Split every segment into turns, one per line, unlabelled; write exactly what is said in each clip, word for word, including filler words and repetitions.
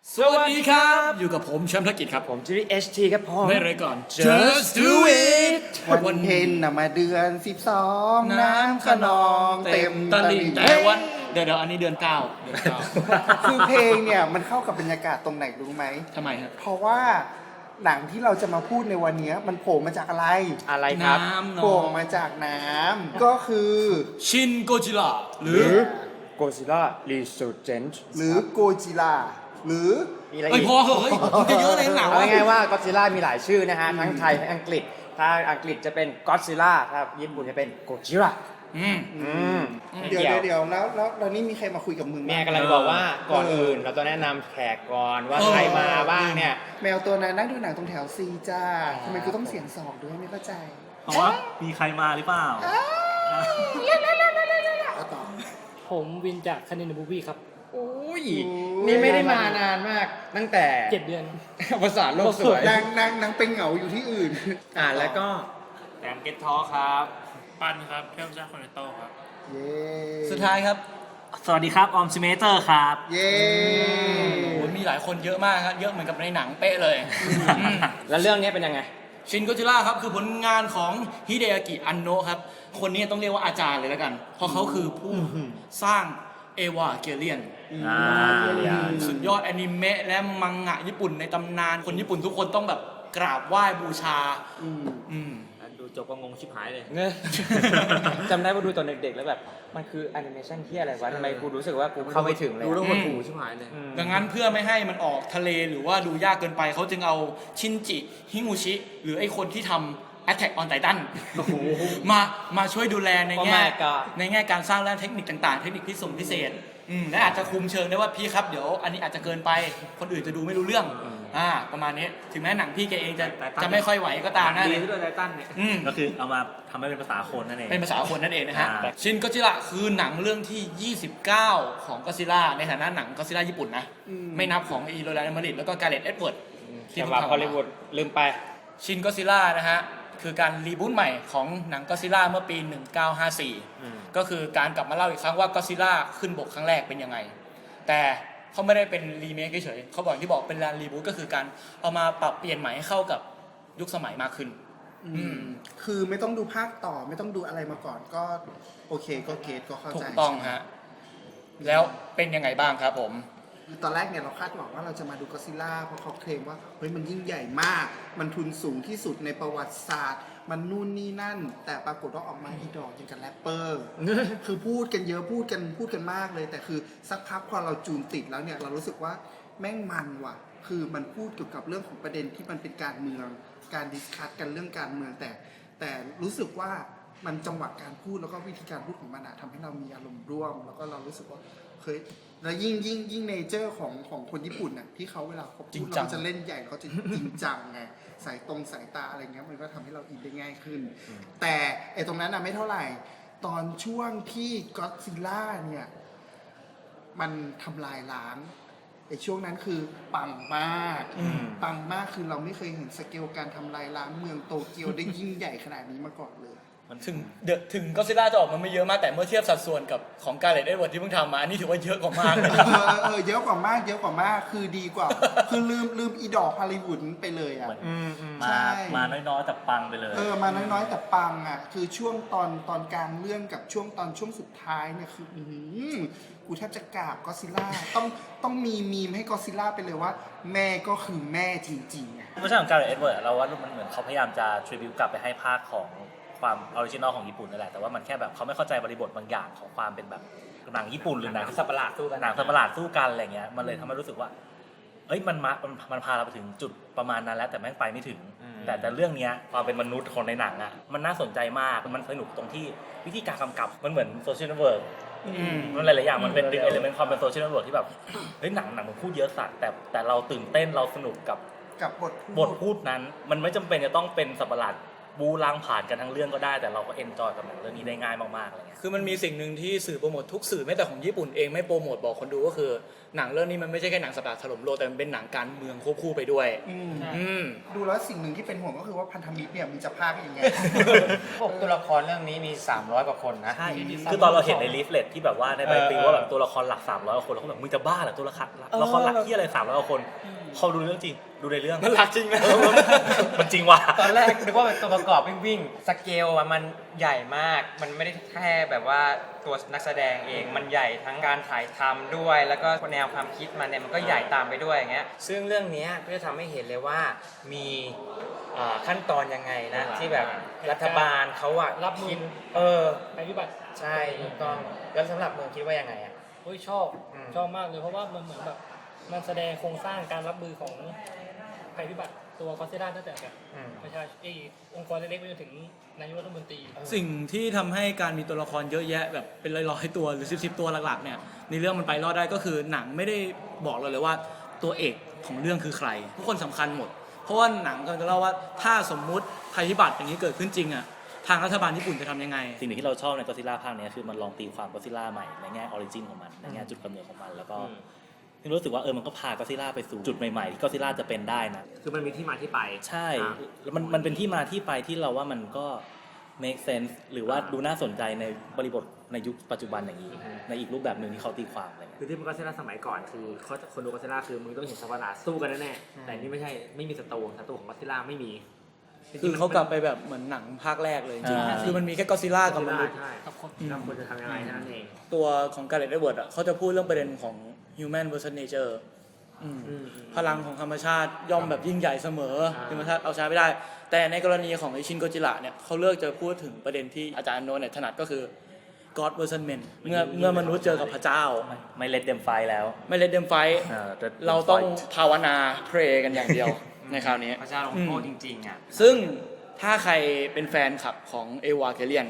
สวัสดีครับอยู่กับผมแชมป์ธกิจครับ
ผมจิริเอชทีครับพ่อ
ไม่เลยก่อน
Just do it
วันเพ็ญน่ะมาเดือนสิบสองน้ำขนองเต็ม
ต
ต
ลิ่
ลิ่
ง
ง
แต่วันเดี๋ยวเดี๋ยวอันนี้เดือนเก้าเดือนเก้า
คือเพลงเนี่ยมันเข้ากับบรรยากาศตรงไหนรู้ไหม
ทำไมครับ
เพราะว่าหนังที่เราจะมาพูดในวันนี้มันโผล่มาจากอะไร
อะไรครับ
น้ำเน
โผล่
อะ
มาจากน้ำก็คือ
ชินโกจิล่าห
ห
รื
รือ อ Godzilla Resurgence
หรือโกจิล่าหรือ
มีอะไร
เอ้ย
อีก
พอเหอะเฮ้ยมันจะเยอะเลยหนัง
เอา
วะ
ง่ายๆว่า Godzilla มีหลายชื่อนะฮะ ทั้งไทยทั้งอังกฤษ ถ้าอังกฤษจะเป็น Godzilla ถ้าญี่ปุ่นจะเป็น Gojira
อืม
อืม
เดี๋ยวเดี๋ยวเดี๋ยวแล้วแล้วแล้วนี่มีใครมาคุยกับมึง
แม่
บ้าง
กำลังบอกว่าก่อนอื่นเราต้องแนะนำแขกก่อนว่าใครมาบ้างเนี่ย
แมวตัวนั้นนั่งดูหนังตรงแถวซีจ้าทำไมกูต้องเสียงสองด้วยไม่เข้าใจ
เพราะว่ามีใครมาหรือเปล่า
เอาต่อ
ผมวินจากคณินบูบี้ครับ
โอ้ย
โอ้ย
นี่ไม่ได้มานานมาก ตั้งแต่
เจ็ดเดือน
ภาษาโลกสวย
นางนางนางเป็นเหงาอยู่ที่อื่น
อ่านแล้วก็
แดนเก็ตทอครับ ปันครับเทพเจ้าคอนเนโต้ครับ
เย้
สุดท้ายครับ
สวัสดีครับ ออมซิเมเตอร์ครับ
เย้
โอ้ยมีหลายคนเยอะมากครับเยอะเหมือนกับในหนังเป๊ะเลยอืม
แล้วเรื่องนี้เป็นยังไง
ชินโกจิล่าครับคือผลงานของฮิเดอากิอันโนะครับคนนี้ต้องเรียกว่าอาจารย์เลยแล้วกัน เพราะเขาคือผู้สร้างเอวาเกเลียน
อ่า
สุดยอดแอนิเมะและมังงะญี่ปุ่นในตำนาน คนญี่ปุ่นทุกคนต้องแบบกราบไหว้บูชา
อืม
อืม
ดูจบก็งงชิบหายเลย
เงย จำได้ว่าดูตอนเด็กๆแล้วแบบ มันคือแอนิเมชันที่อะไรวะทำไมกูรู้สึกว่ากูเข้าไม่ถึงเลย
ดูแล้ว
หด
หด
หู
หูชิบหายเลย
อืม
ดังนั้นเพื่อไม่ให้มันออกทะเลหรือว่าดูยากเกินไป เขาจึงเอาชินจิฮิงูชิ หรือไอคนที่ทำ Attack on Titan มามาช่วยดูแลในแง่
Oh my god
ในแง่การสร้างและเทคนิคต่างๆ เทคนิคพิเศษพิเศษอืมและอาจจะคุมเชิงได้ว่าพี่ครับเดี๋ยวอันนี้อาจจะเกินไปคนอื่นจะดูไม่รู้เรื่องอ่าประมาณนี้ถึงแม้หนังพี่แกเองจะ
Titan
จะไม่ค่อยไหวก็ตามนะ
ดีด้วยไททันเนี่ย
อืม
ก็คือเอามาทำให้เป็นภาษาคนนั่นเอง
เป็นภาษาคนนั่นเองนะฮะ
อ่า
ชินก็จิระคือหนังเรื่องที่ ยี่สิบเก้า ของก็ซิล่าในฐานะหนังก็ซิล่าญี่ปุ่นนะ
อืม
ไม่นับของอีโรแลนด์มาริดแล้วก็การ์เล็ตเอ็ดเวิร์ด
สำหรับฮอลลีวูดลืมไป
ชินก็ซิล่านะฮะ คือการรีบูทใหม่ของหนังก็ซิล่าเมื่อปี หนึ่งเก้าห้าสี่
อืม
ก็คือการกลับมาเล่าอีกครั้งว่าก็ซิล่าขึ้นบกครั้งแรกเป็นยังไง แต่เขาไม่ได้เป็นรีเมคเฉยๆเขาบอกอย่างที่บอกเป็นการรีบูทก็คือการเอามาปรับเปลี่ยนใหม่ให้เข้ากับยุคสมัยมากขึ้น อืม
คือไม่ต้องดูภาคต่อไม่ต้องดูอะไรมาก่อนก็โอเคก็เกตก็เข้า
ถู
ใจ
กต้องฮะ แล้วเป็นยังไงบ้างครับผม
ตอนแรกเนี่ยเราคาดหวังว่าเราจะมาดูก็อดซิลล่าเพราะเขาเคลมว่าเฮ้ยมันยิ่งใหญ่มาก มันทุนสูงที่สุดในประวัติศาสตร์ มันนู่นนี่นั่น แต่ปรากฏว่าออกมาอีดอกอย่างกับแรปเปอร์ คือพูดกันเยอะพูดกันพูดกันมากเลย แต่คือสักพักพอเราจูนติดแล้วเนี่ยเรารู้สึกว่าแม่งมันว่ะ คือมันพูดเกี่ยวกับเรื่องของประเด็นที่มันเป็นการเมือง การดิสคัสกันเรื่องการเมืองแต่ แต่รู้สึกว่ามันจังหวะการพูดแล้วก็วิธีการพูดของมันอะทำให้เรามีอารมณ์ร่วม แล้วก็เรารู้สึกว่าเฮ้ยแล้วยิ่งยิ่งยิ่งเนเจอร์ของของคนญี่ปุ่นน่ะที่เขาเวลาเขา
จริ
พู
ง
ด
จั
เรา
ง
จะเล่นใหญ่เขาจะจริงจังไงสายตรงสายตาอะไรเงี้ยมันก็ทำให้เราอินได้ง่ายขึ้น แต่ไอ้ตรงนั้นน่ะไม่เท่าไหร่ ตอนช่วงที่ก็อดซิลล่าเนี่ยมันทำลายล้างไอ้ช่วงนั้นคือปังมาก
อืม
ปังมากคือเราไม่เคยเห็นสเกลการทำลายล้างเมืองโตเกียวได้ยิ่งใหญ่ขนาดนี้มาก่อนเลย
ถึงเดอะถึงก็ซิล่าจะออกมาไม่เยอะมากแต่เมื่อเทียบสัดส่วนกับของการ์เล็ตเอ็ดเวิร์ดที่เพิ่งทำมาอันนี้ถือว่าเยอะกว่ามากเลย
เออเออเยอะกว่ามากเยอะกว่ามากคือดีกว่า คือลืมลืมอีดอกฮอลลีวูดไปเลยอ่ะ
อืมอืม
ใช่
มา มาน้อยๆแต่ปังไปเลย
เออมาน้อยๆแต่ปังอ่ะคือช่วงตอนตอนกลางเรื่องกับช่วงตอนช่วงสุดท้ายเนี่ยคืออื้อหือกูแทบจะกราบก็อดซิลล่าต้องต้องมีมีมให้ก็อดซิลล่าไปเลยว่า แม่ก็คือแม่จริงๆอ่ะ
ไม่ใช่ของการเอ็ดเวิร์ดเราว่ามันเหมือนเขาพยายามจะทริบิวกลับไปให้ภาคของความออริจินอลของญี่ปุ่นนั่นแหละ แต่ว่ามันแค่แบบเขาไม่เข้าใจบริบทบางอย่างของความเป็นแบบหนังญี่ปุ่นหรือหนัง
สัตว์ประหลาดสู้กัน
หนังสัตว์ประหลาดสู้กันอะไรเงี้ย มันเลยทำให้รู้สึกว่า เอ้ย มันมามันมันพาเราไปถึงจุดประมาณนั้นแล้วแต่แม่งไปไม่ถึง แต่แต่เรื่องเนี้ยความเป็นมนุษย์ของในหนังอ่ะ มันน่าสนใจมาก มันสนุกตรงที่วิธีการกำกับ มันเหมือนโซเชียลเน็ตเวิร์ก
อืม
มันหลายๆอย่างมันเป็นดึงเอลิเมนต์ความเป็นโซเชียลเน็ตเวิร์กที่แบบ เฮ้ยหนังหนังมันพูดเยอะสัตว์แต่แต่เราตื่นเต้นเราสนุกกับ
กับบทพูด
บทพูดนั้น มันไม่จำเป็นจะต้องเป็นสัตว์ประหลาดบูล้างผ่านกันทั้งเรื่องก็ได้ แต่เราก็เอนจอยกับหนังเรื่องนี้ได้ง่ายมากๆอะไรเงี้ย
คือมันมีสิ่งหนึ่งที่สื่อโปรโมททุกสื่อแม้แต่ของญี่ปุ่นเองไม่โปรโมทบอกคนดูก็คือหนังเรื่องนี้มันไม่ใช่แค่หนังสัตว์ถล่มโลกแต่มันเป็นหนังการเมืองควบคู่ไปด้วย
อืม
อืม
ดูแล้วสิ่งหนึ่งที่เป็นห่วงก็คือว่าพันธมิตรเนี่ยมีจะพากยังไง
บอกตัวละครเรื่องนี้มีสามร้อยกว่าคนนะ
ใช่คือตอนเราเห็นในลิฟเลตที่แบบว่าในใบปลิวว่าแบบตัวละครหลักสามร้อยกว่าคนเราก็แบบมึงจะบ้าเหรอตัวละครละครหลักที่อะไรสามร้อยกว่าคนพอดูเรื่องจริงดูในเรื่อง
มันหลักจริงนะ
เออมันจริงว่ะ
ตอนแรกนึกว่าเป็นตัวประกอบวิ่งๆสเกลอะมันใหญ่มาก มันไม่ได้แค่แบบว่าตัวนักแสดงเอง มันใหญ่ทั้งการถ่ายทำด้วย แล้วก็แนวความคิดมันเนี่ยมันก็ใหญ่ตามไปด้วยอย่างเงี้ย ซึ่งเรื่องเนี้ยก็จะทำให้เห็นเลยว่ามีอ่าขั้นตอนยังไงนะ ที่แบบรัฐบาลเขาอะ
รับมือ
คิดเออ
ภัยพิบัติ
ใช่ถูกต้อง แล้วสำหรับเมืองคิดว่ายังไงอะ
โอ้ยชอบ
อืม
ชอบมากเลยเพราะว่ามันเหมือนแบบมันแสดงโครงสร้างการรับมือของภัยพิบัติตัวก็อดซิลล่าตั้งแต่แบบ
อืม
ประชาชนเอยองค์กรเล็กๆไปจนถึงนายกรัฐมนตรี
สิ่งที่ทำให้การมีตัวละครเยอะแยะแบบเป็นร้อยๆตัวหรือสิบสิบตัวหลักๆเนี่ยในเรื่องมันไปรอดได้ก็คือหนังไม่ได้บอกเราเลยว่าตัวเอกของเรื่องคือใครทุกคนสำคัญหมด เพราะว่าหนังกำลังจะเล่าว่าถ้าสมมุติภัยพิบัติอย่างนี้เกิดขึ้นจริงอ่ะทางรัฐบาลญี่ปุ่นจะทำยังไง
สิ่งหนึ่งที่เราชอบในก็อดซิลล่าภาคนี้คือมันลองตีความก็อดซิลล่าใหม่ในแง่ออริจินของมันในแง่จุดกำเนิดของมันแล้วก็รู้สึกว่าเออมันก็พาก็อดซิลล่าไปสู่จุดใหม่ๆที่ก็อดซิลล่าจะเป็นได้นะ
คือมันมีที่มาที่ไป
ใช่แล้วมันมันเป็นที่มาที่ไปที่เราว่ามันก็ make sense หรือว่าดูน่าสนใจในบริบทในยุคปัจจุบันอย่างนี้ ในอีกรูปแบบหนึ่งที่เขาตีความอะไรเงี้ย
คือที่มันก็เซล่าสมัยก่อนคือเขาคนดูก็เซล่าคือมึงต้องเห็นสัตว์ประหลาดสู้กันแน่ๆแต่นี่ไม่ใช่ไม่มีศัตรูศัตรูของก็เซล่าไม่มี
คือเขากลับไปแบบเหมือนหนังภาคแรกเลยจริง
อ่า
ๆคือมันมีแค่ก็อดซิลล่ากับมนุษย์
ใช่
กับคน
เราควรจะทำยังไงแค่นั้นเอง
ตัวของการ์เรตเอดเวิร์ดอ่ะเขาจะพูดเรื่องประเด็นของ human versus nature อืม
อืม
พลังของธรรมชาติย่อมแบบยิ่งใหญ่เสมอ
อ่า
ธรรมชาติเอาชนะไม่ได้ แต่ในกรณีของไอชินโกจิระเนี่ยเขาเลือกจะพูดถึงประเด็นที่อาจารย์โนเนี่ยถนัดก็คือ God versus men เมื่อเมื่อมนุษย์เจอกับพระเจ้า
ไม่เลดเดมไฟแล้ว
ไม่เลดเดมไฟ
เออ let them
เราต้อง
fight
ภาวนาเพรกันอย่างเดียว ในคราวนี้
พระเจ้าลงโทษจริงๆอ่ะ
ซึ่งถ้าใครเป็นแฟนคลับของเอวาเกเลียน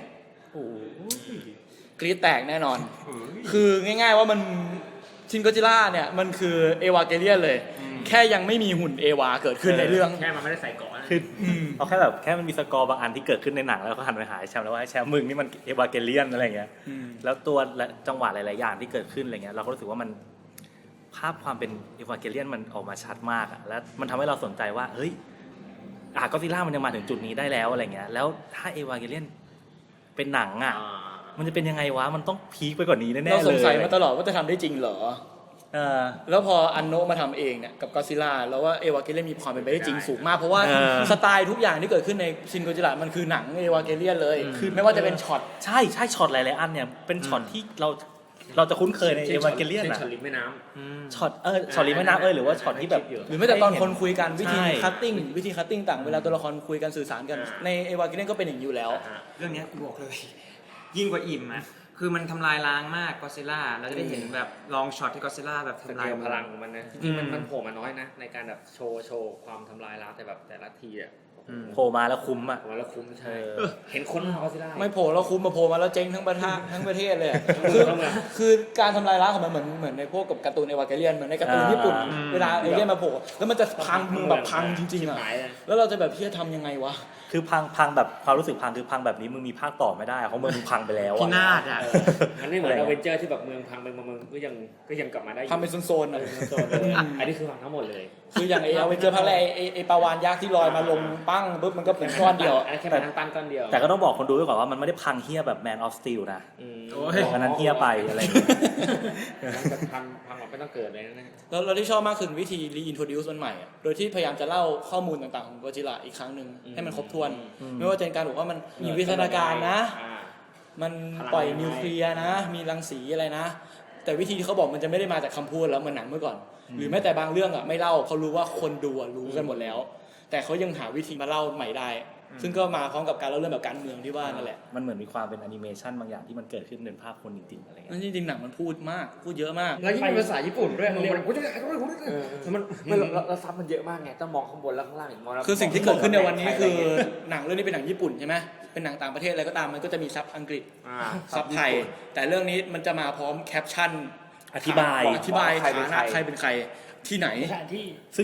กรี๊ดแตกแน่นอน คือง่ายๆว่ามันชินโกจิล่าเนี่ยมันคือเอวาเกเลียนเลย แค่ยังไม่มีหุ่นเอวาเกิดขึ้นในเรื่อง
แค่มันไม่ได้ใส่เกาะนะ
คือเอาแค่แบบแค่มันมีสกอร์บางอันที่เกิดขึ้นในหนังแล้วก็หันไปหาแชมป์แล้วว่าแชมป์มึงนี่มันเอวาเกเลียนอะไรเงี้ย
อืม
แล้วตัวและจังหวะหลาย ๆ อย่างที่เกิดขึ้นอะไรเงี้ยเราก็รู้สึกว่ามันภาพความเป็นเอวาเกเลียนมันออกมาชัดมากอะแล้วมันทำให้เราสนใจว่าเฮ้ยอ่ะก็อดซิลล่ามันยังมาถึงจุดนี้ได้แล้วอะไรเงี้ยแล้วถ้าเอวาเกเลียนเป็นหนังอ่ะ
อ่า
มันจะเป็นยังไงวะมันต้องพีคไปกว่านี้แน่ๆเลย
เราสงสัยมาตลอดว่าจะทำได้จริงเหรอ
เออ
แล้วพออันโนะมาทำเองเนี่ยกับก็อดซิลล่าแล้วว่าเอวาเกเลียนมีความเป็นไปได้จริงสูงมาก เพราะว่า
เออ
สไตล์ทุกอย่างที่เกิดขึ้นในชินโกจิระมันคือหนังเอวาเกเลียนเลยคือไม่ว่าจะเป็นช็อต
ใช่ใช่ช็อตหลาย ๆ อันเนี่ยเป็นช็อตที่เราเราจะคุ้นเคยในเอวาเกเลียน
ช่น
อะ
ช็อตริมแม่น้ำ
ช็อตเออช็อตริมแม่น้ำเออหรือว่าช็อตที่แบบ
หรือแม้แต่ตอนคนคุยกันวิธี
ใช่
คัตติ้งวิธีคัตติ้งต่างเวลาตัวละครคุยกันสื่อสารกัน
อ่า
ในเอวาเกเลียนก็เป็นอย่างนี้อยู่แล้ว
เรื่องเนี้ยกูบอกเลย ยิ่งกว่าอิ่มอ่ะ คือมันทำลายล้างมากก็อดซิลล่าเราจะได้เห็นแบบลองช็อตที่ก็อดซิลล่าแบบ
ส
ทำ
เก
ลาย
ลพลังของมันนะจริงๆมันมันโผล่มาน้อยนะ ในการแบบโชว์โชว์ความทำลายล้างแต่แบบแต่ละทีอ่ะ
โผล่มาแล้วคุ้มอ่ะ
ผมว่าแล้วคุ้มใช่
เออ
เห็นคนมาก็ซิล่า
ไม่โผล่แล้วคุมมาโผล่มาแล้วเจ๊งทั้งประเทศทั้งประเทศเลยอะคือคือการทำลายล้างของมันเหมือนเหมือนในพวกกับการ์ตูนเอวาเกเลียนเหมือนในการ์ตูน
อ่า
ญี่ปุ่น เวลาเอเลี่ยนมาโผล่แล้วมันจะพังมึงแบบพังจริงๆอ่ะ
หายเลย
แล้วเราจะแบบพี่จะทำยังไงวะ
คือพังพังแบบความรู้สึกพังคือพังแบบนี้มึงมีภาคต่อไม่ได้เพราะเมืองมึงพังไปแล้ว
พิ
อะ
นาศอ่ะ
มันไม่เหมือนอเวนเจอร์ที่แบบเมืองพังไปเมืองเมืองก็ยังก็ยังกลับมาได้อยู่
ทำเป็นโซนๆ
เอ
อ่ะ
อโซนๆเลยอันนี้คือพังทั้งหมดเลย
คืออย่างไอ้เอาไปเจอภาคแรกไอ้ไอ้ไอ้ปลาวานยักษ์ที่ลอยมาลงปั้งปุ๊บมันก็เป็นก้อนเดียว
อันนั้นแค่เป็นทั้งปั้นก้อนเดียว
แต่ก็ต้องบอกคนดูไว้ก่อนว่ามันไม่ได้พังเฮี้ยแบบ Man of Steel นะ
อืม
โอ้ย
อันนั้นเฮี้ยไปอะไรอย่างเงี้ย
มันจะพังพังแบบไม่ต้องเกิดเลยนะ
แล้วเราที่ชอบมากคือวิธี reintroduce มันใหม่อะโดยที่พยายามจะเล่าข้อมูลต่างๆของโกจิระอีกครั้งหนึ่งให้มันครบถ้วน ไม่ว่าจะเป็นการบอกว่ามันมีวิทยาการนะ
อ่า
มันปล่อยนิวเคลียร์นะ มีรังสีอะไรนะ แต่วิธีที่เขาบอกมันจะไม่ได้มาจากคำพูดแล้วเหมือนหนังเมื่อก่อน หรือแม้แต่บางเรื่องอ่ะไม่เล่าเขารู้ว่าคนดูอะรู้กันหมดแล้ว แต่เขายังหาวิธีมาเล่าใหม่ได้ ซึ่งก็มาพร้อมกับการเล่าเรื่องแบบการเมืองที่ว่านั่นแหละ
มันเหมือนมีความเป็นแอนิเมชันบางอย่างที่มันเกิดขึ้นเป็นภาพคนจริงๆอะไรเงี้
นั่
ย
นจริงๆหนังมันพูดมากพูดเยอะมาก
แล้วยิ่งเป็นภาษาญี่ปุ่นด้วยมันมัน
มันมันเราซับมันเยอะมากไงต้องมองข้างบนแล้วข้างล่างอีกมองแล้ว
คือสิ่งที่เกิดขึ้นในวันนี้คือหนังเรื่องนี้เป็นหนังญี่ปุ่นใช่ไหมเป็นหนังต่างประเทศอะไรก็ตามมันก็จะมีซับอังกฤษ
อ่า
ซับไทย แต่เรื่องนี้มันจะมาพร้อมแคปชั่น
อธิบาย
อธิบาย
ใครเป็น
ฐานะ
ใคร
ใครเป็นใครที่ไหน
สถานที่
ซึ่ง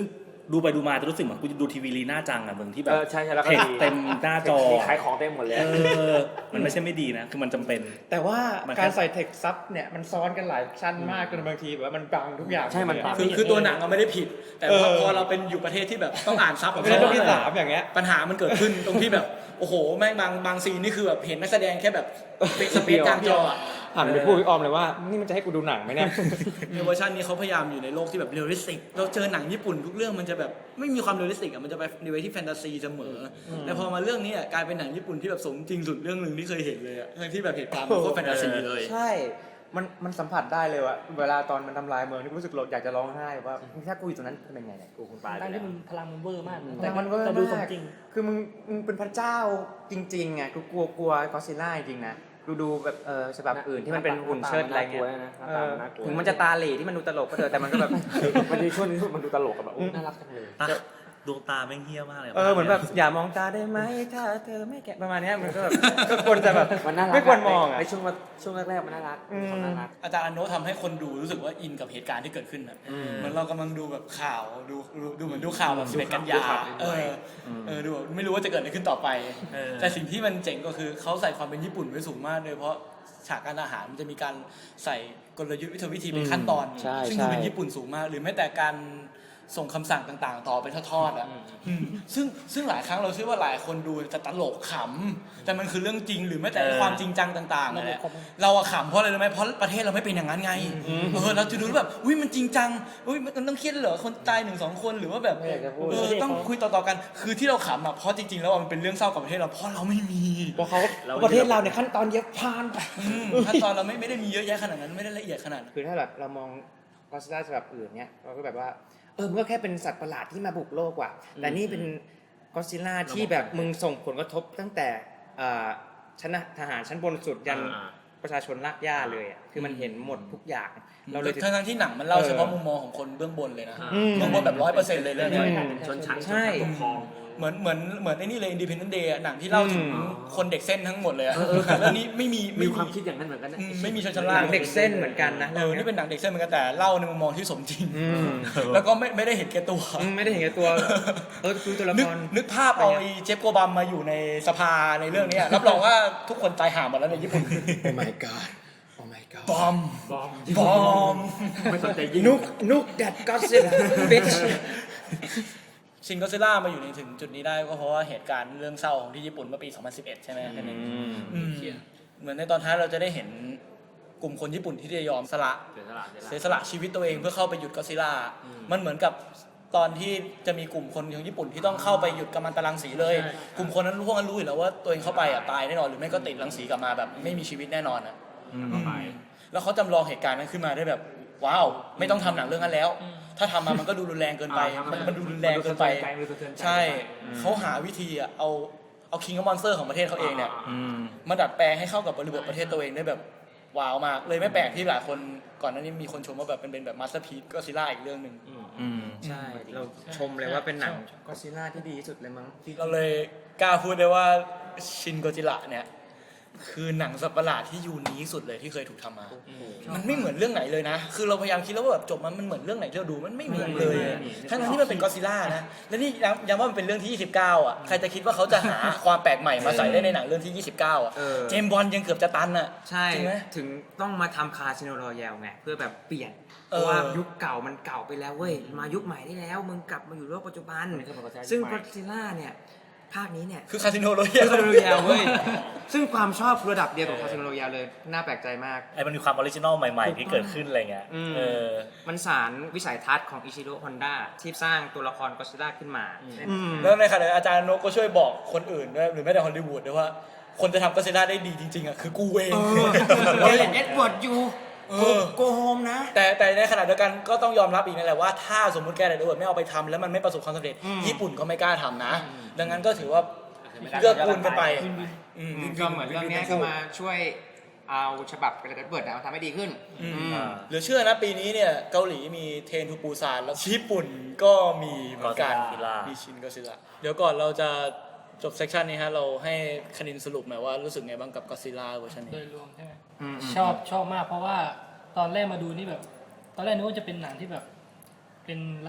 ดูไปดูมาจะรู้สึกเหมือนกูจะดูทีวีลีน่าจังอ่ะมึงที่แบ
เอบ อใช่ใช่แล้วก็
เผ็ด
ดี
เต็มหน้าจอ
มีขายของเต็มหมดเลย
เออมันไม่ใช่ไม่ดีนะคือมันจำเป็น
แต่ว่า
มันแค่
การใส่เทคซับเนี่ยมันซ้อนกันหลายชั้นมากจนบางทีแบบว่ามันบังทุกอย่าง
ใช่มันบัง
คือคือตัวหนังเราไม่ได้ผิด แต่ว่าพอเราเป็นอยู่ประเทศที่แบบต้องอ่านซับ
เป็นเรื่องที่สามอย่างเงี้ย
ปัญหามันเกิดขึ้นตรงที่แบบโอ้โหแม่งบางบางซีนนี่คือแบบเห็นนักแสดงแค่แบบเป็นสเปซกลางจออะ
หันไปพูดพี่ออมเลยว่านี่มันจะให้กูดูหนังไหมเนี่ย
ในเวอร์ชันนี้เขาพยายามอยู่ในโลกที่แบบเรียลลิสติกเราเจอหนังญี่ปุ่นทุกเรื่องมันจะแบบไม่มีความเรียลลิสติกอ่ะมันจะไปในเวที่แฟนตาซีเสมอแต่พอมาเรื่องนี้อ่ะกลายเป็นหนังญี่ปุ่นที่แบบสมจริงสุดเรื่องหนึ่งที่เคยเห็นเลยอ่ะทั้งที่แบบเหตุการณ์มันโคตรแฟนตาซีเลย
ใช่ มันมันสัมผัสได้เลยว่าเวลาตอนมันทำลายเมืองนี่รู้สึกอยากจะร้องไห้ว่าถ้ากูอยู่ตรงนั้นจะเป็นไงเนี่ย
กูคุณปลายไป
ตั้ง
แล้ว
ที่มันพลังมันเวอร์มาก
แต่มันก็
แต่ดูสมจริง
คือมึงมึงเป็นพระเจ้าจริงๆไงกูกลัวกลัวก็อดซิลล่าจริงๆนะดูดูแบบเออฉบับอื่นที่มันเป็นหุ่นเชิดอะไรเงี้ย
หน้าตามันน่ากลัว
ถึงมันจะตาเหล่ที่มันดูตลกก็เถอะแต่มันก็แบบ
มันดีช่วงนี้มันดูตลกกับแบบน่ารักจังเลย
ตาดวงตาแม่งเฮี้ยมากเลย
เออเหมือนแบบอย่ามองตาได้ไหมถ้าเธอไม่แกะประมาณเนี้ยมันก็แบบก็ควรจะแบบ
มันน่ารัก
ไม่ควรมองอ่ะ
ในช่วงช่วงแรกๆมันน่ารัก
อืม
เขาน่ารัก
อาจารย์อโนะทำให้คนดูรู้สึกว่าอินกับเหตุการณ์ที่เกิดขึ้นนะเหมือนเรากำลังดูแบบข่าวดูดูดูเหมือนดูข่าวแบบสิบเอ็ดกันยาเออเออดูแบบไม่รู้ว่าจะเกิดอะไรขึ้นต่อไป
เออ
แต่สิ่งที่มันเจ๋งก็คือเขาใส่ความเป็นญี่ปุ่นไว้สูงมากเลยเพราะฉากการอาหารมันจะมีการใส่กลยุทธ์วิธีวิธีเป็นขั้นตอน
ใช่
ซึ่ง
ใช่
ดูเป็นญี่ปุ่นสูงมาก หรือแม้แต่การส่งคำสั่งต่างๆ ต่อเป็นทอดๆอ่ะอืมซึ่งซึ่งหลายครั้งเราเชื่อว่าหลายคนดูจะตลกขำแต่มันคือเรื่องจริงหรือแม้แต่
เออ
ความจริงจังต่างๆนั่นแหละเราอะขำเพราะอะไรรู้ไหมเพราะประเทศเราไม่เป็นอย่างนั้นไงเออเราจะดูแบบอุ้ยมันจริงจังอุ้ยมันต้องเครียดเหรอคนตายหนึ่งสองคนหรือว่าแบบ
ไม่อยากจะพูด
เออต้องคุยต่อๆกัน คือที่เราขำอ่ะเพราะจริงๆแล้วอะมันเป็นเรื่องเศร้ากับประเทศเราเพราะเราไม่มี
เพราะเขาประเทศเราเนี่ยขั้นตอนเยอะพานไป
อืมขั้นตอนเราไม่ไม่ได้มีเยอะแยะขนาดนั้นไม่ได้ละเอียดขนาดนั้น
คือถ้าแบบเรามองก็อดซิลล่าฉบับอื่นเนี่ยเราก็แบบว่าเออมันก็แค่เป็นสัตว์ประหลาดที่มาบุกโลกว่ะแต่นี่เป็นก็อดซิลล่าที่แบบมึงส่งผลกระทบตั้งแต่อ่าชั้นทหารชั้นบนสุดยัน
อ่า
ประชาชนรากหญ้าเลยอะคือมันเห็นหมดทุกอย่างเราเลย
ทั้งๆที่หนังมันเล่า
เออ
เฉพาะมุมมองของคนเบื้องบนเลยนะ
อืม
เบื้องบนแบบร้อยเปอร์เซ็นต์เลยเรื่องเนี้ย
อืม
ชนชั้น
ใช่
ชนชั้นปกครอง
เหมือนเหมือนเหมือนไอ้นี่เลย Independent Day อะหนังที่เล่าถึง
อืม
คนเด็กเส้นทั้งหมดเลยอะ
เออเออ
แต่เรื่องนี้ไม่มี
มี
ไ
ความคิดอย่างนั้นเหมือนกันนะ
อืมไม่มีชนชั้น
ห
ล่าง
นังเด็กเส้นเหมือนกันนะ
เออนี่เป็นหนังเด็กเส้นเหมือนกันแต่เล่าในมุมมองที่สมจริง
อืม
แล้วก็ไม่ไม่ได้เห็นแก่ตัว
อืมไม่ได้เห็นแก่ตัวเออคือตัวละ
นึ
ค
ก
ร
นึกภาพเอาไอ้เจฟโกบัมมาอยู่ในสภาในเรื่องเนี้ยรับรองว่าทุกคนตายห่าหมดแล้วในญี่ปุ่น
Oh my god Oh my god
บอม
บอม
บอม
ไม่สนใจยิง
นุกนุกแดดก็ซิลบิช
ชินก็ซิล่ามาอยู่ในถึงจุดนี้ได้ก็เพราะว่าเหตุการณ์เรื่องเศร้าของที่ญี่ปุ่นเมื่อปี สองพันสิบเอ็ด ใช่ไหมแค่นั้นอืมเหมือนในตอนท้ายเราจะได้เห็นกลุ่มคนญี่ปุ่นที่จะยอมสละ
เสียสละเสียส
เสีย
ละ
สละชีวิตตัวเองเพื่อเข้าไปหยุดก็ซิล่า
อืม
มันเหมือนกับตอนที่จะมีกลุ่มคนของญี่ปุ่นที่ต้องเข้าไปหยุดกัมมันตรังสีเลย กลุ่มคนนั้นพวกนั้นรู้อยู่แล้วว่าตัวเองเข้าไปอ่ะตายแน่นอนหรือไม่ก็ติดรังสีกลับมาแบบไม่มีชีวิตแน่นอนอ่ะ
ต่อไป
แล้วเขาจำลองเหตุการณ์นั้นขึ้นมาได้แบบว้าวไม่ต้องทำหนังเรื่องนั้นแล้ว ถ้าทำมามันก็ดูรุนแรงเกินไป
อ่าทำ
มันมันดูรุนแรงเกินไป
มันดูสะเทือนใจ
ใช่เขาหาวิธีอ่ะเอาเอาคิงกับมอนสเตอร์ของประเทศเขาเองเนี่ย
อืม
มาดัดแปลงให้เข้ากับบริบทประเทศตัวเองได้แบบว้าวมากเลยไม่แปลกที่หลายคนก่อนหน้านี้มีคนชมว่าแบบเป็นเป็นแบบมาสเตอร์พีซก็ซิล่าอีกเรื่องหนึ่ง
อืม
ใช่ เราชมเลยว่าเป็นหนังก็อดซิลล่าที่ดีที่สุดเลยมั้ง
เราเลยกล้าพูดได้ว่าชินโกจิระเนี่ยคือหนังสัตว์ประหลาดที่ยูนิคสุดเลยที่เคยถูกทำมา มันไม่เหมือนเรื่องไหนเลยนะ คือเราพยายามคิดแล้วว่าแบบจบมันมันเหมือนเรื่องไหนที่เราดูมันไม่เหมือนเลย ทั้งนั้นที่มันเป็นก็อดซิลล่านะ และนี่ย้ำย้ำว่ามันเป็นเรื่องที่ยี่สิบเก้าอ่ะ ใครจะคิดว่าเขาจะหาความแปลกใหม่มาใส่ได้ในหนังเรื่องที่ยี่สิบเก้าอ่ะ
เออ
เจมส์บอนด์ยังเกือบจะตันอ่ะ
ใช่
จริงไหม
ถึงต้องมาทำคาสิโนรอยัลไงเพื่อแบบเปลี่ยนเพ
เออ
ราะว่ายุคเก่ามันเก่าไปแล้วเว้ยมายุคใหม่ได้แล้ว มึงกลับมาอยู่โลกปัจจุบัน ซึ่งก็อดซิลล่าเนี่ยภาคนี้เนี่ย
คือคาสิโนโรย
คาสิโนรอยัลเว้ยซึ่งความชอบระดับเดียวกับคาสิโนรอยัลเลยน่าแปลกใจมาก
ไอ้มันมีความออริจินอลใหม่ๆ ที่เกิดขึ้นอะไรเงี้ย
อืม
เออ
มันสารวิสัยทัศน์ของอิชิโร่ฮอนด้าที่สร้างตัวละครก็อดซิลล่าขึ้นมาอืม
แล้วในขณะเดียวกันอาจารย์โนกก็ช่วยบอกคนอื่นด้วยหรือแม้แต่ฮอลลีวูดด้วยว่าคนจะทำก็อดซิลล่าได้ดีจริงๆอ่ะคือกูเอง
เออเอ็ดเวิร์ดอยู่
เออ
โกโฮมนะ
แต่แต่ในขณะเดียวกันก็ต้องยอมรับอีกนั่นแหละว่าถ้าสมมุติแกเดวิดไม่เอาไปทำแล้วมันไม่ประสบความสำเร็จ
อืม
ญี่ปุ่นก็ไม่กล้าทำนะ ดังนั้นก็ถือว่าเลือกกูลกันไปอืม
ก็เหมือนเรื่องเนี้ยก็มาช่วยเอาฉบับเอ็ดเวิร์ดมาทำให้ดีขึ้น
อืม
อืม
อ่า
เหลือเชื่อนะปีนี้เนี่ยเกาหลีมีเทรนทูปูซานแล้วญี่ปุ่นก็มีเหมือนกัน
Godzilla
มีชินก็ซิล่าเดี๋ยวก่อนเราจะจบเซสชันนี้ฮะเราให้คณินสรุปหน่อยว่ารู้สึกไงบ้างกับก็ซิล่าเวอร์ชัน
โด
นี้
ยรวมใช่ไหม
อืม
ชอบชอบมากเพราะว่าตอนแรกมาดูนี่แบบ ตอนแรกนึกว่าจะเป็นหนังที่แบบ เป็น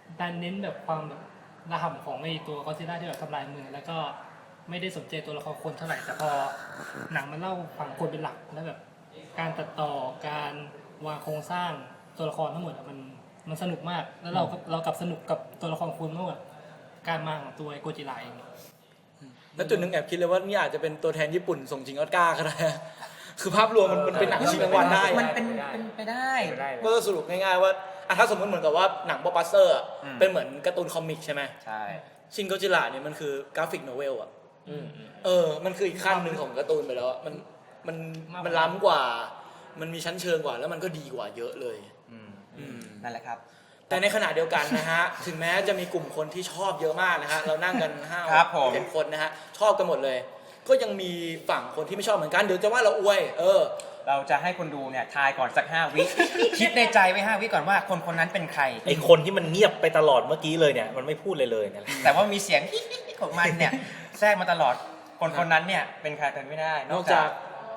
การเน้นแบบความแบบระห่ำของไอ้ตัวก็อดซิลล่าที่แบบทำลายเมืองแล้วก็ไม่ได้สนใจตัวละครคนเท่าไหร่แต่พอหนังมันเล่าฝั่งคนเป็นหลักแล้วแบบการตัดต่อการวางโครงสร้างตัวละครทั้งหมดอะมันมันสนุกมากแล้วเราก็เรากลับสนุกกับตัวละครคนมากกว่าการมาของตัวไอ้โกจิไลเอง
แล้วจุดหนึ่งแอบคิดเลยว่านี่อาจจะเป็นตัวแทนญี่ปุ่นส่งชิงออสการ์ก็ได้ คือภาพรวมมันมันเป็นหนังชิงรางวัลได้
มัน
อะ
เป็นเป็นไปได้
ไม่ได้
ก็สรุปง่ายๆว่าอ่ะถ้าสมมติเหมือนกับว่าหนังบล็อกบัสเตอร์อะ
อืม
เป็นเหมือนการ์ตูนคอมิกใช่ไหม
ใช่
ชินโกจิระเนี่ยมันคือกราฟิกโนเวลอ่ะ
อืม
เออ มันคืออีกขั้นหนึ่งของการ์ตูนไปแล้วอะมันมันมันล้ำกว่า มันมีชั้นเชิงกว่าแล้วมันก็ดีกว่าเยอะเลย
อืม
อืม
นั่นแหละครับ
แต่ในขณะเดียวกันนะฮะ ถึงแม้จะมีกลุ่มคนที่ชอบเยอะมากนะฮะ เรานั่งกันห้า
ครับผม
เจ็ดคนนะฮะ ชอบกันหมดเลย ก็ยังมีฝั่งคนที่ไม่ชอบเหมือนกัน เดี๋ยวจะว่าเราอวย เออ
เราจะให้คนดูเนี่ยทายก่อนสักห้าวิ คิดในใจไว้ห้าวิก่อนว่าคนคนนั้นเป็นใคร
ไอคนที่มันเงียบไปตลอดเมื่อกี้เลยเนี่ยมันไม่พูดเลยเลยเนี่ยแหละ
แต่ว่ามีเสียง ของมันเนี่ยแทรกมาตลอด คนคนนั้นเนี่ยเป็นใครเป็นไม่ได้
นอกจาก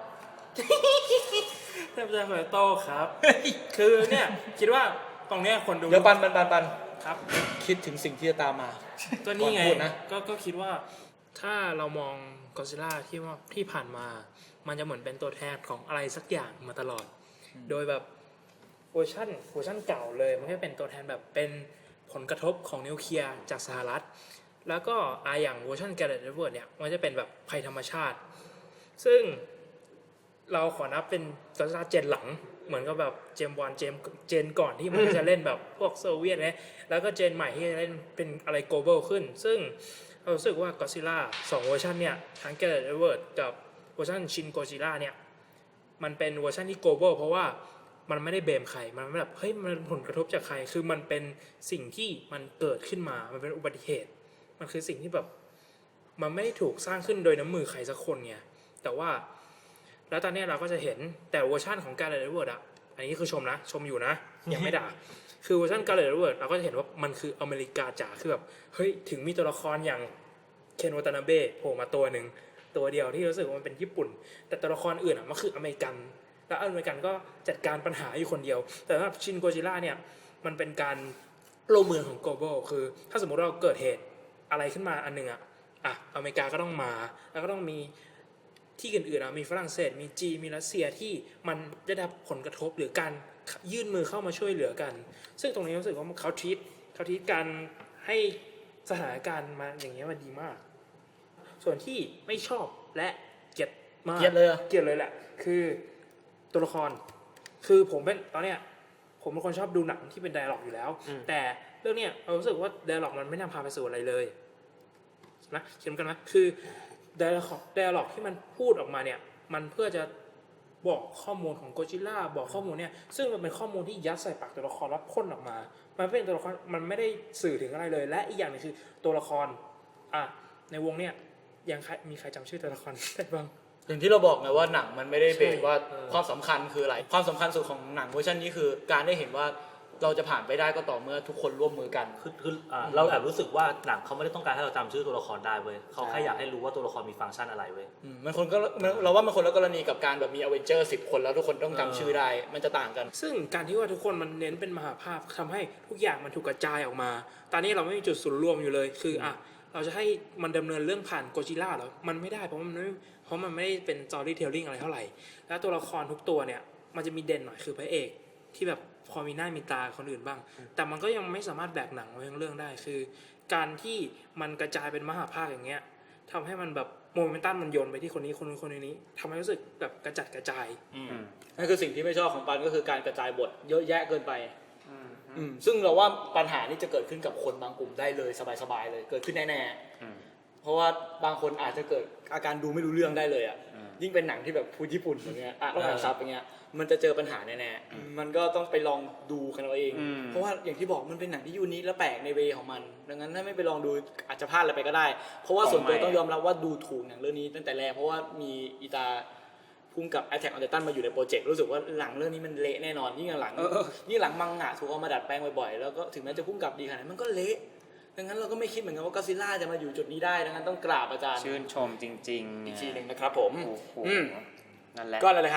เทพเจ้าโคโต้ครับ คือเนี่ยคิดว่าตรงเนี้ยคนดู
เดี๋ยวปันปันปันปัน
ครับ
คิดถึงสิ่งที่จะตามมา
ก็นี่ไง
ก่อนพูดนะ
ก็ก็คิดว่าถ้าเรามองก็อดซิลล่าที่ว่าที่ผ่านมา มันจะเหมือนเป็นตัวแทนของอะไรสักอย่างมาตลอด โดยแบบเวอร์ชันเวอร์ชันเก่าเลยมันก็เป็นตัวแทนแบบเป็นผลกระทบของนิวเคลียร์จากสหรัฐ แล้วก็อาอย่างเวอร์ชันแกเรตเวิร์ดเนี่ยมันจะเป็นแบบภัยธรรมชาติ ซึ่งเราขอนับเป็นก็อดซิลล่าเจนหลัง เหมือนกับแบบเจมส์วันเจมเจนก่อนที่มันจะเล่นแบบพวกโซเวียตเนี่ยแล้วก็เจนใหม่ที่จะเล่นเป็นอะไร global ขึ้น ซึ่งเรารู้สึกว่าก็อดซิลล่าสองเวอร์ชันเนี่ยทั้งแกเรตเวิร์ดกับเวอร์ชันชินโกจิล่าเนี่ยมันเป็นเวอร์ชันที่ global เพราะว่ามันไม่ได้เบมใครมันไม่แบบเฮ้ยมันผลกระทบจากใครคือมันเป็นสิ่งที่มันเกิดขึ้นมามันเป็นอุบัติเหตุมันคือสิ่งที่แบบมันไม่ได้ถูกสร้างขึ้นโดยน้ำมือใครสักคนไงแต่ว่าแล้วตอนนี้เราก็จะเห็นแต่เวอร์ชันของการ์เรตเวิร์ดอ่ะอันนี้คือชมนะชมอยู่นะยังไม่ด่า คือเวอร์ชันการ์เรตเวิร์ดเราก็จะเห็นว่ามันคืออเมริกาจ๋าคือแบบเฮ้ยถึงมีตัวละครอย่างเคนวาตานาเบะโผล่มาตัวหนึ่งตัวเดียวที่รู้สึกว่ามันเป็นญี่ปุ่นแต่ตัวละครอื่นอ่ะมันคืออเมริกันแล้วอเมริกันก็จัดการปัญหาอยู่คนเดียว แต่ว่าชินโกจิล่าเนี่ยมันเป็นการโลกเมืองของ global คือถ้าสมมติเราเกิดเหตุอะไรขึ้นมาอันหนึ่งอ่ะอ่ะอเมริกาก็ต้องมาแล้วก็ต้องมีที่อื่นๆอ่ะมีฝรั่งเศสมีจีนมีรัสเซียที่มันได้รับผลกระทบหรือการยื่นมือเข้ามาช่วยเหลือกันซึ่งตรงนี้รู้สึกว่าเขาทีตเขาทีตการให้สถานการณ์มาอย่างเงี้ยมันดีมากส่วนที่ไม่ชอบและเกลียดมาก
เกลียดเลยเหรอ
เกลียดเลยแหละคือตัวละครคือผมเป็นตอนเนี้ยผมเป็นคนชอบดูหนังที่เป็นไดอะล็อกอยู่แล้วแต่เรื่องเนี้ยเรารู้สึกว่าไดอะล็อกมันไม่นำพาไปสู่อะไรเลยนะเขียนกันนะคือไดอะล็อกไดอะล็อกที่มันพูดออกมาเนี่ยมันเพื่อจะบอกข้อมูลของโกจิล่าบอกข้อมูลเนี่ยซึ่งมันเป็นข้อมูลที่ยัดใส่ปากตัวละครแล้วพ่นออกมามันเป็นตัวละครมันไม่ได้สื่อถึงอะไรเลยและอีกอย่างนึงคือตัวละครอ่ะในวงเนี่ยยังใครมีใครจำชื่อตัวละครได้บ้าง
อย่างที่เราบอกไงว่าหนังมันไม่ได้เบส
ใช่
ว่า
เออ
ความสำคัญคืออะไรความสำคัญสุดของหนังเวอร์ชันนี้คือการได้เห็นว่าเราจะผ่านไปได้ก็ต่อเมื่อทุกคนร่วมมือกัน
คือคืออ่าเราแอบรู้สึกว่าหนังเขาไม่ได้ต้องการให้เราจำชื่อตัวละครได้เว้ยเขาแค่อยากให้รู้ว่าตัวละครมีฟังก์ชันอะไรเว้ย
อืมมันคนก็มันเราว่ามันคนละกรณีกับการแบบมีอเวนเจอร์สิบคนแล้วทุกคนต้องจำชื่อได้มันจะต่างกัน
ซึ่งการที่ว่าทุกคนมันเน้นเป็นมหาภาพทำให้ทุกอย่างมันถูกกระจายออกมา ตอนนี้เราไม่มีจุดศูนย์รวมอยู่เลย คืออ่ะเราจะให้มันดำเนินเรื่องผ่านโกจิล่าเหรอ มันไม่ได้เพราะมันไม่เพราะมันไม่ได้เป็นสตอรี่เทลลิ่งอะไรเท่าไหร่ แล้วตัวละครทุกตัวเนี่ยมันจะมีเด่นหน่อยคือพระเอกที่แบบพอมีหน้ามีตาคนอื่นบ้าง แต่มันก็ยังไม่สามารถแบกหนังไว้ทั้งเรื่องได้ คือ การที่มันกระจายเป็นมหาภาคอย่างเงี้ยทำให้มันแบบโมเมนตัมมันโยนไปที่คนนี้คนนู้นคนนี้ทำให้รู้สึกแบบกระจัดกระจาย
นั่นคือสิ่งที่ไม่ชอบของปันก็คือการกระจายบทเยอะแยะเกินไปอืมซึ่งเราว่าปัญหานี้จะเกิดขึ้นกับคนบางกลุ่มได้เลยสบายๆเลยเกิดขึ้นแน่ๆเพราะว่าบางคนอาจจะเกิดอาการดูไม่รู้เรื่องได้เลยอ่ะยิ่งเป็นหนังที่แบบพูดญี่ปุ่นอย่างเงี้ยอ่ะต้องอ่านซับอย่างเงี้ยมันจะเจอปัญหาแน่ๆมันก็ต้องไปลองดูกันเอาเอง เพราะว่าอย่างที่บอกมันเป็นหนังที่ยูนิคและแปลกในเวของมันดังนั้นถ้าไม่ไปลองดูอาจจะพลาดอะไรไปก็ได้ เพราะว่าส่วนตัวต้องยอมรับว่าดูถูกหนังเรื่องนี้ตั้งแต่แรกเพราะว่ามีอีตาพุ่งกับ Attack on Titan มาอยู่ในโปรเจกต์รู้สึกว่าหลังเรื่องนี้มันเละแน่นอนยิ่งหลังยิ่งหลังมังงะถูกเอามาดัดแปลงบ่อยๆแล้วก็ถึงแม้จะพุ่งกับดีขนาดนั้นมันก็เละดังนั้นเราก็ไม่คิดเหมือนกันว่าก็อดซิลล่าจะมาอยู่จุดนี้ได้ดังนั้นต้องกราบอาจารย์
ชื่นชมจริงๆ
อีกทีหนึ่งนะครับผม
โอ้โห
อืม
นั่นแหละ
ก็อะไรเลยฮะ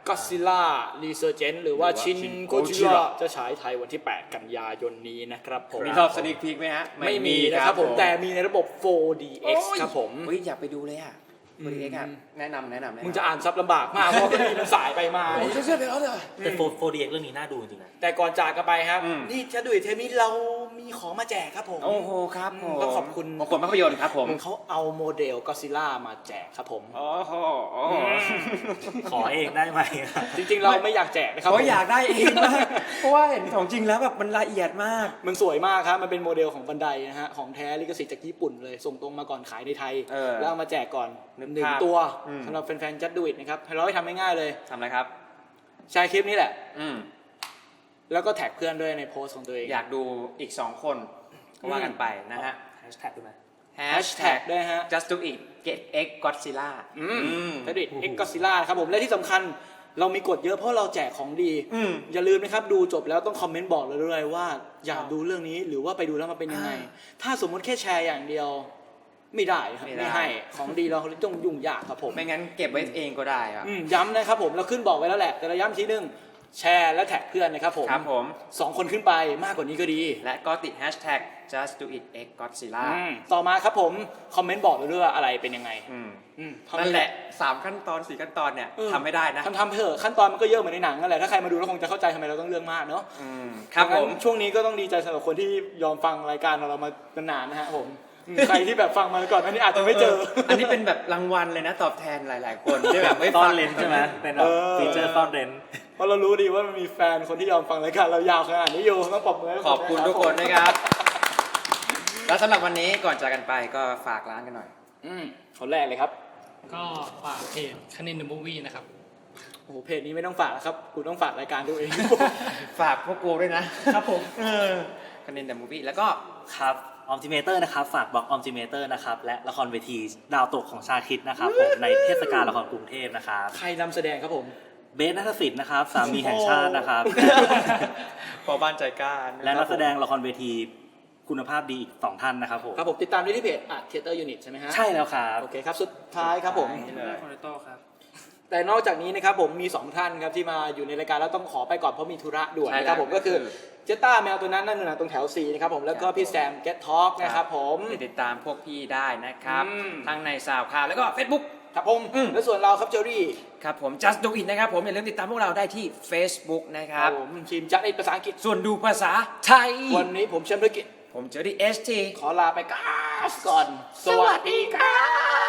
Godzilla Resurgence หรือว่า
หรือว่า
Shin
Shin
Godzilla
Godzilla
จะฉายไทยวันที่ แปด กันยายนนี้นะครับผม
มีรอบสนิกพีกไหมฮะ
ไม่มีนะครับผมแต่มีในระบบ โฟร์ ดี เอ็กซ์ ครับผม
เฮ้ยอยากไปดูเลยอ่ะโฟร์ ดี เอ็กซ์อ่ะแนะนำแนะนำแนนำ
มึงจะอ่านซับลำบากมากเพราะว่ามันสายไปมา
โอ้ยเชื่อไปแล้วเลย
แต่ โฟร์ ดี เอ็กซ์ เรื่องนี้น่าดูจริงๆนะ
แต่ก่อนจากกันไปครับ
อืม
นี่จะดูอีกเทปนี้เรามีของมาแจกครับผม
โอ้โหครับผม
ต้องขอบคุณ
ขอบคุณภาพยนตร์ครับผม
เขาเอาโมเดลก็ซิล่ามาแจกครับผม
โอ้โห
ขอเองได้ไหม
จริงๆเราไม่อยากแจกนะครับ
เขา
ผม
อยากได้เองมากเพราะว่าเห็นของจริงแล้วแบบมันละเอียดมาก
มันสวยมากครับ มันเป็นโมเดลของบันไดนะฮะ ของแท้ลิขสิทธิ์จากญี่ปุ่นเลย ส่งตรงมาก่อนขายในไทย
เออ
แล้วเอามาแจกก่อน
นึก
หนึ่ง
ภาพ
ตัว
อืม
สำหรับแฟนๆจัดดูอิทนะครับเราให้ทำง่ายๆเลย
ทำอะไรครับ
แชร์คลิปนี้แหละ
อืม
แล้วก็แท็กเพื่อนด้วยในโพสต์ของตัวเอง
อยากดูอีกสองคนก็ว่ากันไปนะฮะ
แฮชแท็กด้วยไหม
แฮ
แฮ
ช
ช
แท็
แท็
ก
กด้วยฮะ
just do it get x Godzilla
อืม
อืม
จัดดูอิทเอ็กซ์ก็ซิล่าครับผม และที่สำคัญเรามีกฎเยอะเพราะเราแจกของดี
อืม
อย่าลืมนะครับดูจบแล้วต้องคอมเมนต์บอกเราด้วยว่าอยากดูเรื่องนี้หรือว่าไปดูแล้วมันเป็นยังไง ถ้าสมมติแค่แชร์อย่างเดียวไม่ได้ครับ
ไม่ได้
ไม่ให้ของดีเราต้องยุ่งยากครับผม
ไม่งั้นเก็บไว้เองก็ได้ครับ
อืมย้ำนะครับผมเราขึ้นบอกไว้แล้วแหละแต่เราย้ำทีนึงแชร์และแท็กเพื่อนนะครับผม
ครับผม
สองคนขึ้นไปมากกว่านี้ก็ดี
และก็ติด hashtag just do it x Godzilla
อืมต่อมาครับผมคอมเมนต์บอกเราด้วยว่าอะไรเป็นยังไง
อืม
อืม
นั่นแหละสามขั้นตอนสี่ขั้นตอนเนี่ย
เออ
ทำไม่ได้นะ
ทำทำเถอะขั้นตอนมันก็เยอะเหมือนในหนังนั่นแหละถ้าใครมาดูแล้วคงจะเข้าใจทำไมเราต้องเรื่องมากเนาะ
อืมครับ
ดัง
ผ
นั้น
ม
ช่วงนี้ก็ต้องดีใจสำหรับคนที่ยอมฟังรายการของเรามานานนะฮะผมอืมใครที่แบบฟังมาก่อนอันนี้อาจจะไม่เจอ
อันนี้เป็นแบบรางวัลเลยนะตอบแทนหลาย ๆ คนที่แบบไม่
ต้อ
ฟั
น
ง
เลนใช่ไหมเป็นแบบ
เออ
ฟีเจอร์ต้อนเลน
เพราะเรารู้ดีว่ามันมีแฟนคนที่ยอมฟังรายการเรายาวขนาดนี้อยู่ต้องปรบมือให้
ขอบคุณทุกคนนะครับ แล้วสำหรับวันนี้ก่อนจากกันไปก็ฝากร้านกันหน่อย
อืมคนแรกเลยครับ
ก็ฝากเพจคณินเดอะมูฟวี่นะครับ
โอ้โหเพจนี้ไม่ต้องฝากนะครับกูต้องฝากรายการตัวเอง
ฝากพวกกูด้วยนะครับผมเออคันดินเดอะมูฟวี่แล้วก็
ครับออมจิเมเตอร์นะครับฝากบล็อกออมจิเมเตอร์นะครับและละครเวทีดาวตกของชาคิดนะครับผมในเทศกาลละครกรุงเทพนะครับ
ใครนำแสดงครับผม
เบสนัทศิษย์นะครับสามีแห่งชาตินะครับ
พอบ้านใจกล้า
และนักแสดงละครเวทีคุณภาพดีอีกสองท่านนะครับผม
ครับผมติดตามได้ที่เพจอ่ะ Theater Unit ใช่ไหมฮะ
ใช่แล้วครับ
โอเคครับสุดท้ายครับผม
นี่เลย
คอนโต้ครับ
แต่นอกจากนี้นะครับผมมีสองท่านครับที่มาอยู่ในรายการแล้วต้องขอไปก่อนเพราะมีธุระด่วน
ใช่
นะครับ
แล้ว
ผมก็คือ
ก็คือ
เจต้าแมวตัวนั้นนั่นน่ะตรงแถวสี่นะครับผมแล้วก็พี่แซม Get Talk นะครับผม
ไปติดตามพวกพี่ได้นะครับ
อืม
ทั้งในซาวคลาวแล้วก็ Facebook
ครับผม
อืม
และส่วนเราครับเจอรี่
ครับผม just do it นะครับผมอย่าลืมติดตามพวกเราได้ที่ Facebook นะค
ค
รั
รับ บผมทีมจัดในภาษาอังกฤษ
ส่วนดูภาษาไทย
วันนี้ผมเชมธุรกิจ
ผมเจอที่ เอส ที
ขอลาไปก่อน สวัสดีครับ